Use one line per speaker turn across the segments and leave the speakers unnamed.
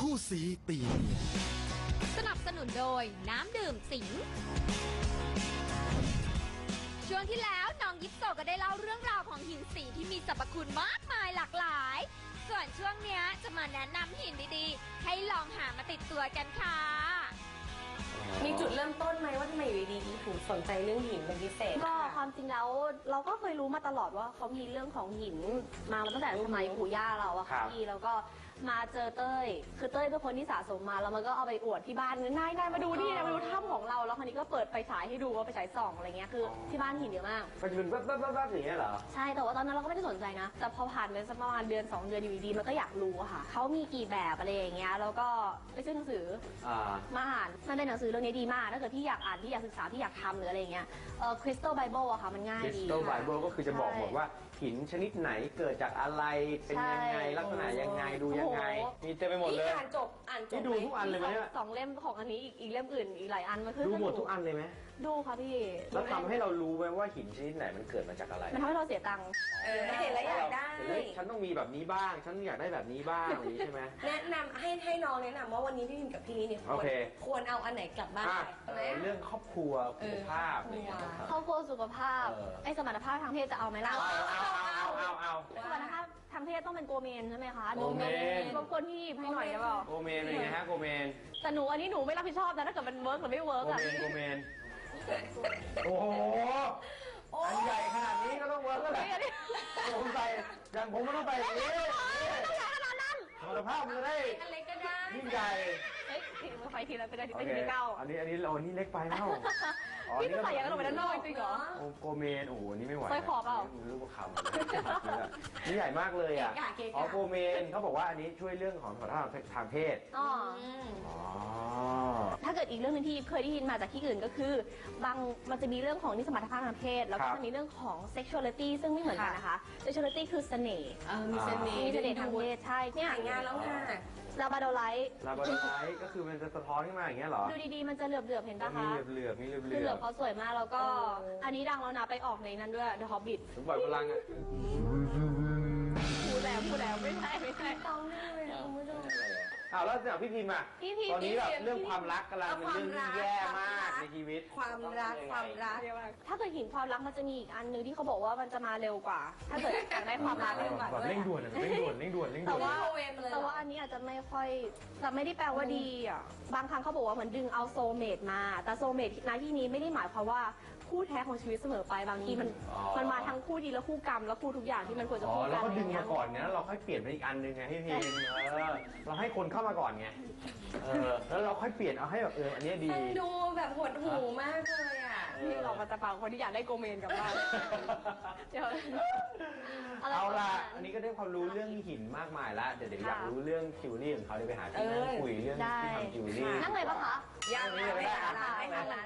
คู่สีตีเนียน
สนับสนุนโดยน้ำดื่มสิงช่วงที่แล้วน้องยิปโซก็ได้เล่าเรื่องราวของหินสีที่มีสรรพคุณมากมายหลากหลายส่วนช่วงเนี้ยจะมาแนะนำหินดีๆให้ลองหามาติดตัวกันค่ะ
มีจุดเริ่มต้นไหมว่าทำไมอยู่ดีๆถึงสนใจเรื่องหินเป็นพิเศษ
ก็ความจริงแล้วเราก็เคยรู้มาตลอดว่าเขามีเรื่องของหินมาตั้งแต่สมัยปู่ย่าเราอะค่ะพี่แล้วก็มาเจอเต้ยคือเต้ยเป็นคนที่สะสมมาแล้วมันก็เอาไปอวดที่บ้านนายมาดูนี่นะมาดูถ้ำของเราแล้วคราวนี้ก็เปิดไฟฉายให้ดูว่าไฟฉายส่องอะไรเงี้ยคือที่บ้านหินเยอะมาก
มันเป็นแบบอย่างเงี้ยเหรอ
ใช่แต่ว่าตอนนั้นเราก็ไม่ได้สนใจนะแต่พอผ่านไปสักประมาณเดือน2 เดือนอยู่ดีมันก็อยากรู้อะค่ะเขามีกี่แบบอะไรอย่างเงี้ยแล้วก็ไปซื้อหนังสือมาอ่านมันเป็นหนังสือเรื่องนี้ดีมากถ้าเกิดที่อยากอ่านที่อยากศึกษาที่อยากทำหรืออะไรเงี้ยCrystal Bible อะค่ะมันง่ายดี
Crystal Bible ก็คือจะบอกหมดว่าหินชนิดไหนเกิดจากอะไรเป็นยังไงลักษณะยังไงดูยังไงมีเต็มไปหมดเลย
อ่านจบ
นี่ดูทุกอันเลยไหม
สองเล่มของอันนี้อีกเล่มอื่นอีกหลายอันมันคือ
ดูหมดทุกอันเลยไหม
ดูค่ะพี่
แล้วทำให้เรารู้ไหมว่าหินชนิดไหนมันเกิดมาจากอะไร
มันทำให้เราเสียตังค์
ไม่เห็นแล้วอยากได้
ฉันต้องมีแบบนี้บ้างฉันอยากได้แบบนี้บ้างอย่างนี้ใช่ไหม
แนะนำให้น้องแนะนำว่าวันนี้พี่พิมกับพี่นี่เนี่ยควรเอาอันไหนกลับบ้าน
ไปเรื่องครอบครัวสุขภาพ
ครอบครัวสุขภาพไอ้สมรรถภาพทางเพศจะเอาไหมล่ะ
เอา
สมรรถภาพทางเพศต้องเป็นโกเมนใช่ไหมคะ
โกเมน
บางคนที่ให้หน่อยได้เปล่า
โกเมนอะไรฮะโกเมน
แต่หนูอันนี้หนูไม่รับผิดชอบนะถ้าเกิดมันเวิร์กหรือไม่เวิร์กอะ
โกเมนโอ้โหอันใหญ่ขนาดนี้ก็ต้องเวิร์กแล้วแหละผมใส่อย่างผมก็ต้องไปอย่างนี้
ต้องใหญ่ขนาดนั้น
สมรรถภาพมันจะได้
อะไรก็ได้
ยิ่งใหญ่
มือไฟทีละเป็นทีเก้า
อันนี้เรานี่เล็กไปแล้ว
พี่จะใส่ยังไงลงไปด้านนอกจริงเหรอ
โกเมนโอ้โหนี่ไม่ไหว
สร้อยคอเปล่า
รูปคำนี่ใหญ่มากเลยอ่ะโกเมนเขาบอกว่าอันนี้ช่วยเรื่องของสมรรถภาพทางเพศ
ถ้าเกิดอีกเรื่องนึงที่เคยได้ยินมาจากที่อื่นก็คือบางมันจะมีเรื่องของนิสสมรรถภาพทางเพศแล้วก็จะมีเรื่องของ sexuality ซึ่งไม่เหมือนกันนะคะ sexuality คือเสน่ห์
มีเสน่
ห์ทางเพศใช่
เนี่ยงานแล้วค่ะ
ลาบาโดไลท์
ก็คือมันจะสะท้อนขึ้นมาอย่างเงี้ยเหรอ
ดูดีๆมันจะเหลือบๆเห็นปะคะ
มีเหลือบ
คือเหลือบเขาสวยมากแล้วก็อันนี้ดังแล้วนะไปออกในนั้นด้วย The Hobbit
สมบัติพลังอ่ะ
พูดแล้วไม่ใช่
ต้องเลยคุณผู้ชม
แล้วจากพี่พิมพ์อ่ะตอนนี้แบบเรื่องความรักกำลังเป็นเรื่องที่แย่มากในชีวิต
ความรัก
ถ้าเกิดหินความรักมันจะมีอีกอันนึงที่เขาบอกว่ามันจะมาเร็วกว่าถ้าเกิดอยากได้ความรักเร็วกว่า
เร่งด่วน
แต่ว่าอันนี้อาจจะไม่ค่อยแต่ไม่ได้แปลว่าดีอ่ะบางครั้งเขาบอกว่าเหมือนดึงเอาโซลเมตมาแต่โซลเมตในที่นี้ไม่ได้หมายความว่าคู่แท้ของชีวิตเสมอไปบางทีมันมาทั้งคู่ดีและคู่กรรมและคู่ทุกอย่างที่มันควรจะคู่กัน
แล้วก็ดึงมาก่อนไงแล้วเราค่อยเปลี่ยนไปอีกอันนึงไงพี่พิมเราให้คนเข้ามาก่อนไงแล้วเราค่อยเปลี่ยนเอาให้แบบอันนี้ดี
ดูแบบหดหูมากเลยอ่ะ
นี่เรามาจะฟังคนที่อยากได้โกเมนกับบ้าน
เอาล่ะอันนี้ก็ได้ความรู้เรื่องหินมากมายแล้วเดี๋ยวอยากรู้เรื่องจิวเวลรี่ของเขาเดี๋ยวไปหาที่นั่งคุยเรื่องที่ทำจิวเวลรี่
นั่งเลยปะคะ
ยังไม่ได้ร้าน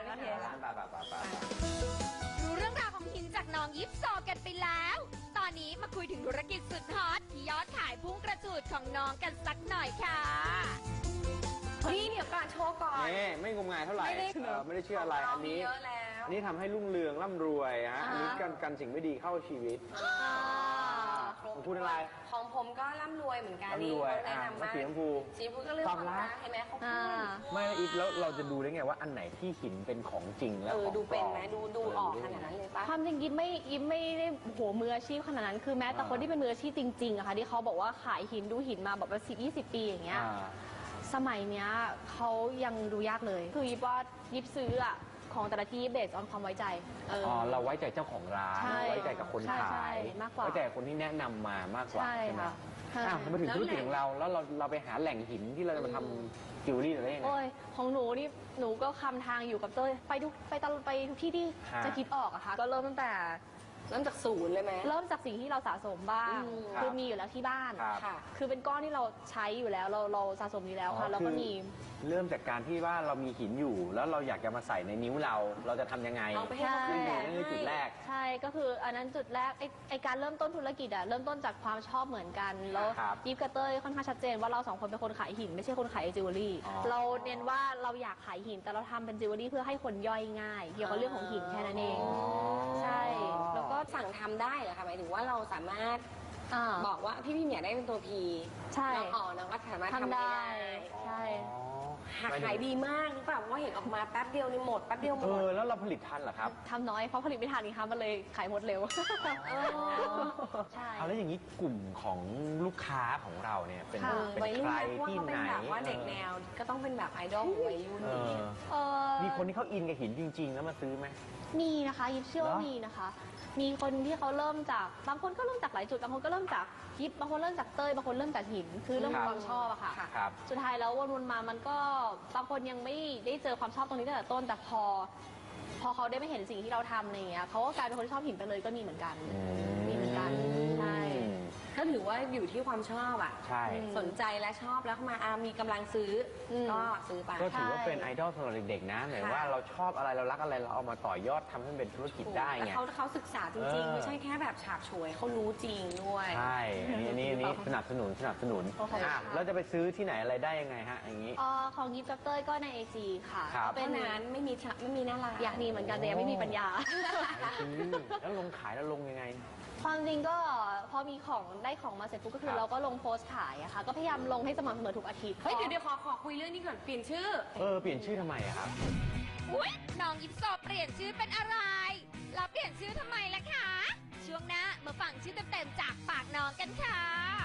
รู้เรื่องราวของหินจากน้องยิปโซกันไปแล้วตอนนี้มาคุยถึงธุรกิจสุดฮอตที่ยอดขายพุ่งกระจูดของน้องกันสักหน่อยค่ะ
นี่เดี๋ยวก่อนโชว์ก่อน
ไม่งมงายเท่าไหร่ไม่ได้เชื่ออะไรอันนี้ทำให้รุ่งเรืองร่ำรวยฮะอันนี้กันสิ่งไม่ดีเข้าชีวิตของคุณอะไร
ของผมก็ร่ำรวยเหมือนกันนี่แนะนำมาก
สีชมพู
ก็เรื่องความรักเห็นไหมเขาพูด
ไม่อีกแล้วเราจะดูได้ไงว่าอันไหนที่หินเป็นของจริงแล้ว
ดูเป็นไหมดูออกขนาดนั้นเลยปะ
ความจริงยิ้มไม่ได้โหมืออาชีพขนาดนั้นคือแม้แต่คนที่เป็นมืออาชีพจริงๆอะค่ะที่เขาบอกว่าขายหินดูหินมาแบบว่า10-20 ปีอย่างเงี้ยสมัยเนี้ยเขายังดูยากเลยคือยิบว่ายิบซื้ออะของแต่ละที่เบสออนความไว้ใจ
เราไว้ใจเจ้าของร้านไว้ใจกับคนขายไว้ใจคนที่แนะนำมามากกว่า
ใช่ไหม
มาถึงธุรกิจของเราแล้วเราไปหาแหล่งหินที่เราจะมาทำจิวเวลรี่อะไรยังไง
ของหนูนี่หนูก็คำทางอยู่กับเต้ยไปทุกที่ที่จะคิดออกอะค่ะก็เริ่มตั้งแต่
จากศูนย์เลยไหม
เริ่มจากสิ่งที่เราสะสมบ้างคือมีอยู่แล้วที่บ้านคือเป็นก้อนที่เราใช้อยู่แล้วเราสะสมอยู่แล้วค่ะแล้วก็มี
เริ่มจากการที่ว่าเรามีหินอยู่แล้วเราอยากจะมาใส่ในนิ้วเราจะทำยังไงนั่นคือจุดแรก
ใช่ก็คืออันนั้นจุดแรกไอการเริ่มต้นธุรกิจอะเริ่มต้นจากความชอบเหมือนกันแล้วยิปกับเต้ยค่อนข้างชัดเจนว่าเรา2 คนเป็นคนขายหินไม่ใช่คนขายจิวเวลรี่เราเน้นว่าเราอยากขายหินแต่เราทำเป็นจิวเวลรี่เพื่อให้คนย่อยง่ายเกี่ยวกับเรื่องของหินแค่นั้นเองใช่
แล้วก็สั่งทำได้เหรอคะหมายถึงว่าเราสามารถบอกว่าพี่พิมอยากได้เป็นตัวพี
ใช่
น้องน้องก็สามารถทำ
ทำ
ได้
ได้ใช่
ขายดีมากหรือเปล่าเพราะว่าเห็นออกมาแป๊บเดียวนี่หมดแป๊บเดียวหมด
แล้วเราผลิตทันเหรอครับ
ทำน้อยเพราะผลิตไม่ทันนี่คะมันเลยขายหมดเร็วใช่
เอาแล้วอย่างนี้กลุ่มของลูกค้าของเราเนี่ยเป็น
ค่ะ
วัย
ใค
รุ่น
ร
นะเพราะว่า
ที่
เขา
ไห
เป็น
น
แบบว่าเด็กแนวก็ต้องเป็นแบบไอดอลของวัยรุ่น
เอ
อย่าง
อ
เงี้ย
มีคนที่เขาอินกับหินจริง ๆ แล้วมาซื้อไหม
มีนะคะยิบเชื่อว่า
เหรอ
มีนะคะ มีคนที่เขาเริ่มจากบางคนก็เริ่มจากหลายจุดบางคนก็เริ่มจากยิบบางคนเริ่มจากเต้ยบางคนเริ่มจากหินคือเรื่องความชอบอะค่ะ
ครับ
สุดท้ายแล้ววนๆมามันก็บางคนยังไม่ได้เจอความชอบตรงนี้ตั้งแต่ต้นแต่พอเขาได้ไปเห็นสิ่งที่เราทำอะไรอย่างเงี้ยเขาก็กลายเป็นคนที่ชอบหินไปเลยก็มีเหมือนกันมีเหมือนกันใช่
ก็ถือว่าอยู่ที่ความชอบอ่ะ
ใช่
สนใจและชอบแล้วมามีกำลังซื้ออ
ม
ก็ซื้อไป
ก็ถือว่าเป็นไอดอลสำหรับเด็กๆนะหมายว่าเราชอบอะไรเรารักอะไรเราเอามาต่อยอดทำให้มันเป็นธุรกิจได้
แล้ว
ไง
เขาศึกษาจริงๆ ไม่ใช่แค่แบบฉาบฉวยเขารู้จริงด้วย
ใช่อันนี้สนับสนุน
โอเคค่ะ
แล้วจะไปซื้อที่ไหนอะไรได้ยังไงฮะอย่างนี้
ของยิบกับเต้ยก็ใน AG ค่ะ
ครับ
เป็
เป็น นนั้นไม่มีหน้าร้าน
อยากมีเหมือนกันแต่ยังไม่มีปัญญา
แล้วลงขายแล้วลงยังไง
ความจริงก็พอมีของได้ของมาเสร็จปุ๊บก็คื
ครั
อบ เราก็ลงโพสต์ขายอะค่ะ ก็พยายามลงให้สม่ำเสมอทุกอาทิตย์
เฮ้ยเดี๋ยวขอคุยเรื่องนี้ก่อนเปลี่ยนชื่อ
เปลี่ยนชื่อทำไมอะครับ
อุ๊ยน้องยิปโซเปลี่ยนชื่อเป็นอะไรแล้วเปลี่ยนชื่อทำไมล่ะคะ ช่วงหน้ามาฟังชื่อเต็มๆจากปากน้องกันค่ะ